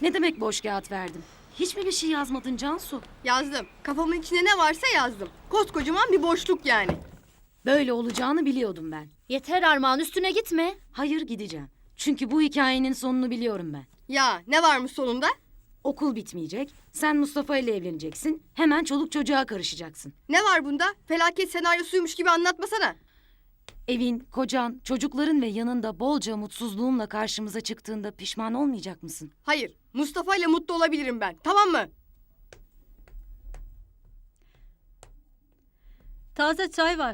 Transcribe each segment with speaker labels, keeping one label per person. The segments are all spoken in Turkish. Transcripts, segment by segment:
Speaker 1: Ne demek boş kağıt verdim? Hiç mi bir şey yazmadın Cansu?
Speaker 2: Yazdım. Kafamın içinde ne varsa yazdım. Koskocaman bir boşluk yani.
Speaker 1: Böyle olacağını biliyordum ben.
Speaker 3: Yeter Armağan, üstüne gitme.
Speaker 1: Hayır, gideceğim. Çünkü bu hikayenin sonunu biliyorum ben.
Speaker 2: Ya ne varmış sonunda?
Speaker 1: Okul bitmeyecek. Sen Mustafa ile evleneceksin. Hemen çoluk çocuğa karışacaksın.
Speaker 2: Ne var bunda? Felaket senaryosuymuş gibi anlatmasana.
Speaker 1: Evin, kocan, çocukların ve yanında bolca mutsuzluğumla karşımıza çıktığında pişman olmayacak mısın?
Speaker 2: Hayır. Mustafa ile mutlu olabilirim ben. Tamam mı?
Speaker 4: Taze çay var.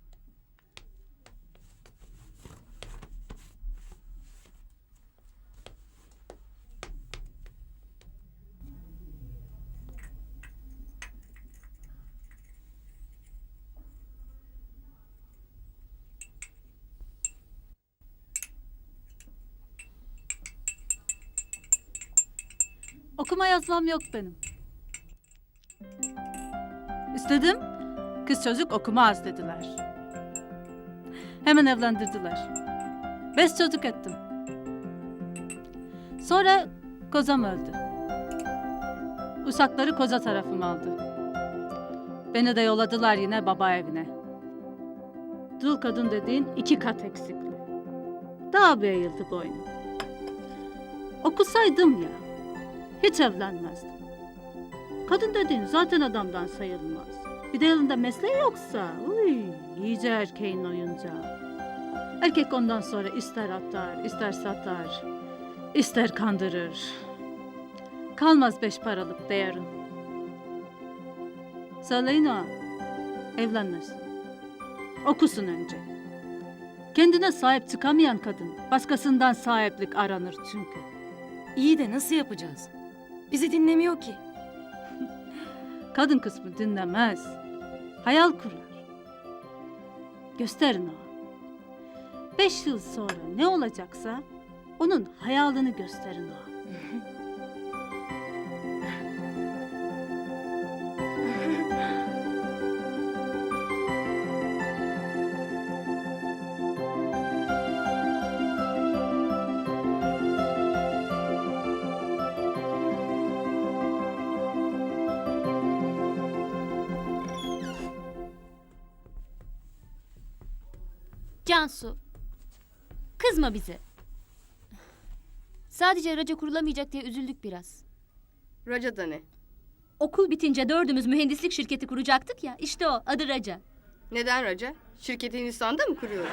Speaker 4: Okuma yazmam yok benim. İstedim. Kız çocuk okumaz dediler. Hemen evlendirdiler. 5 çocuk ettim. Sonra kocam öldü. Uşakları koca tarafım aldı. Beni de yolladılar yine baba evine. Dul kadın dediğin 2 kat eksikli. Daha bir eğildi boynum. Okusaydım ya, hiç evlenmezdim. Kadın dediğin zaten adamdan sayılmaz. Bir de elinde mesleği yoksa, iyice erkeğin oyuncağı. Erkek ondan sonra ister atar, ister satar, ister kandırır. Kalmaz 5 paralık değerin. Söyleyin o, evlenmesin. Okusun önce. Kendine sahip çıkamayan kadın, başkasından sahiplik aranır çünkü.
Speaker 1: İyi de nasıl yapacağız? Bizi dinlemiyor ki.
Speaker 4: Kadın kısmı dinlemez. Hayal kurar. Gösterin o. 5 yıl sonra ne olacaksa onun hayalini gösterin o.
Speaker 3: Cansu, kızma bize. Sadece raca kurulamayacak diye üzüldük biraz.
Speaker 2: Raca da ne?
Speaker 3: Okul bitince 4'ümüz mühendislik şirketi kuracaktık ya, işte o, adı Raca.
Speaker 2: Neden Raca? Şirketi Hindistan'da mı kuruyoruz?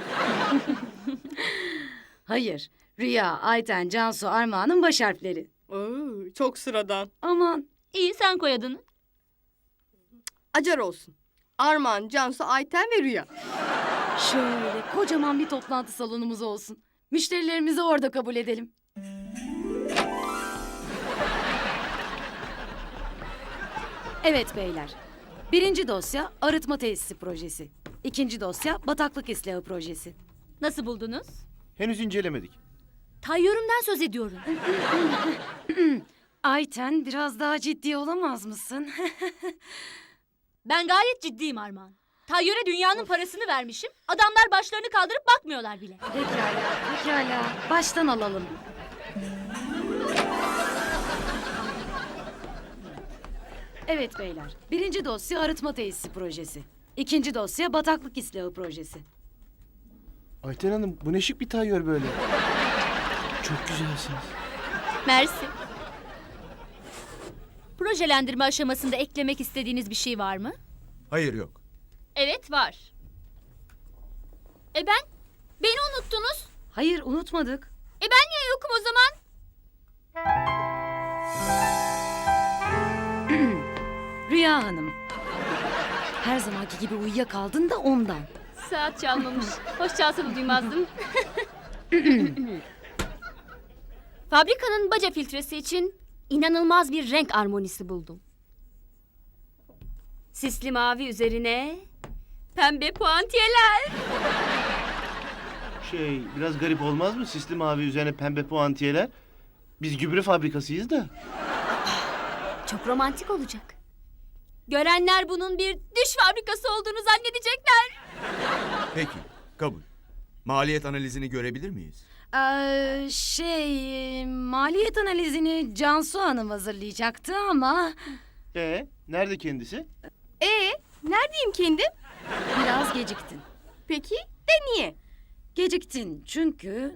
Speaker 1: Hayır. Rüya, Ayten, Cansu, Armağan'ın baş harfleri.
Speaker 2: Oo, çok sıradan.
Speaker 1: Aman.
Speaker 3: İyi, sen koy adını.
Speaker 2: Acar olsun. Armağan, Cansu, Ayten ve Rüya.
Speaker 1: Şöyle kocaman bir toplantı salonumuz olsun. Müşterilerimizi orada kabul edelim. Evet beyler. 1. dosya arıtma tesisi projesi. 2. dosya bataklık ıslahı projesi.
Speaker 3: Nasıl buldunuz?
Speaker 5: Henüz incelemedik.
Speaker 3: Tayyörümden söz ediyorum.
Speaker 1: Ayten, biraz daha ciddi olamaz mısın?
Speaker 3: Ben gayet ciddiyim Armağan. Tayyöre dünyanın parasını vermişim. Adamlar başlarını kaldırıp bakmıyorlar bile.
Speaker 1: Pekala. Baştan alalım. Evet beyler. 1. dosya arıtma tesisi projesi. 2. dosya bataklık ıslahı projesi.
Speaker 5: Ayten Hanım bu ne şık bir tayyör böyle. Çok güzelsiniz.
Speaker 3: Mersi. Projelendirme aşamasında eklemek istediğiniz bir şey var mı?
Speaker 6: Hayır yok.
Speaker 3: Evet var. Beni unuttunuz.
Speaker 1: Hayır, unutmadık.
Speaker 3: Ben niye yokum o zaman?
Speaker 1: Rüya Hanım. Her zamanki gibi uyuyakaldın da ondan.
Speaker 3: Saat çalmamış. Hoş çalsa da duymazdım. Fabrikanın baca filtresi için inanılmaz bir renk armonisi buldum. Sisli mavi üzerine pembe puantiyeler.
Speaker 5: Biraz garip olmaz mı? Sisli mavi üzerine pembe puantiyeler. Biz gübre fabrikasıyız da.
Speaker 3: Çok romantik olacak. Görenler bunun bir diş fabrikası olduğunu zannedecekler.
Speaker 6: Peki, kabul. Maliyet analizini görebilir miyiz?
Speaker 1: Maliyet analizini Cansu Hanım hazırlayacaktı ama
Speaker 5: Nerede kendisi?
Speaker 2: Neredeyim kendim?
Speaker 1: biraz geciktin.
Speaker 2: Peki de niye?
Speaker 1: Geciktin çünkü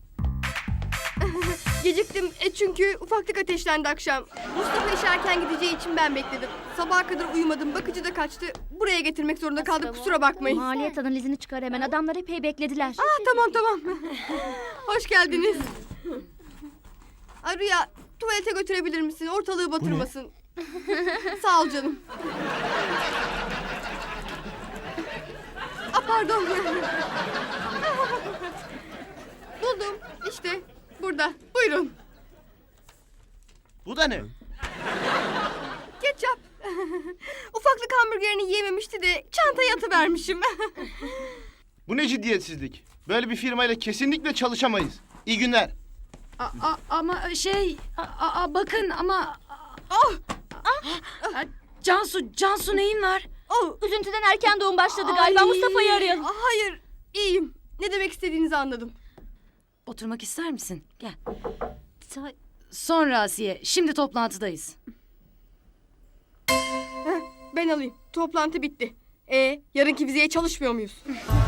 Speaker 2: Geciktim çünkü ufaklık ateşlendi akşam. Mustafa işe erken gideceği için ben bekledim. Sabaha kadar uyumadım, bakıcı da kaçtı. Buraya getirmek zorunda kaldık, kusura bakmayın.
Speaker 3: Maliyet analizini çıkar hemen. Adamlar epey beklediler.
Speaker 2: Tamam. Hoş geldiniz. Ay Rüya, tuvalete götürebilir misin? Ortalığı batırmasın. Sağ ol canım. Pardon. Buldum. İşte burada. Buyurun.
Speaker 5: Bu da ne?
Speaker 2: Ketçap. Ufaklık hamburgerini yiyememişti de çantaya atıvermişim.
Speaker 5: Bu ne ciddiyetsizlik? Böyle bir firmayla kesinlikle çalışamayız. İyi günler.
Speaker 1: ama bakın ama Cansu neyin var?
Speaker 3: Üzüntüden erken doğum başladı galiba.
Speaker 1: Ay.
Speaker 3: Mustafa'yı arayalım.
Speaker 2: Hayır, iyiyim. Ne demek istediğinizi anladım.
Speaker 1: Oturmak ister misin? Gel. Sonra Asiye. Şimdi toplantıdayız.
Speaker 2: Ben alayım. Toplantı bitti. Yarınki vizeye çalışmıyor muyuz?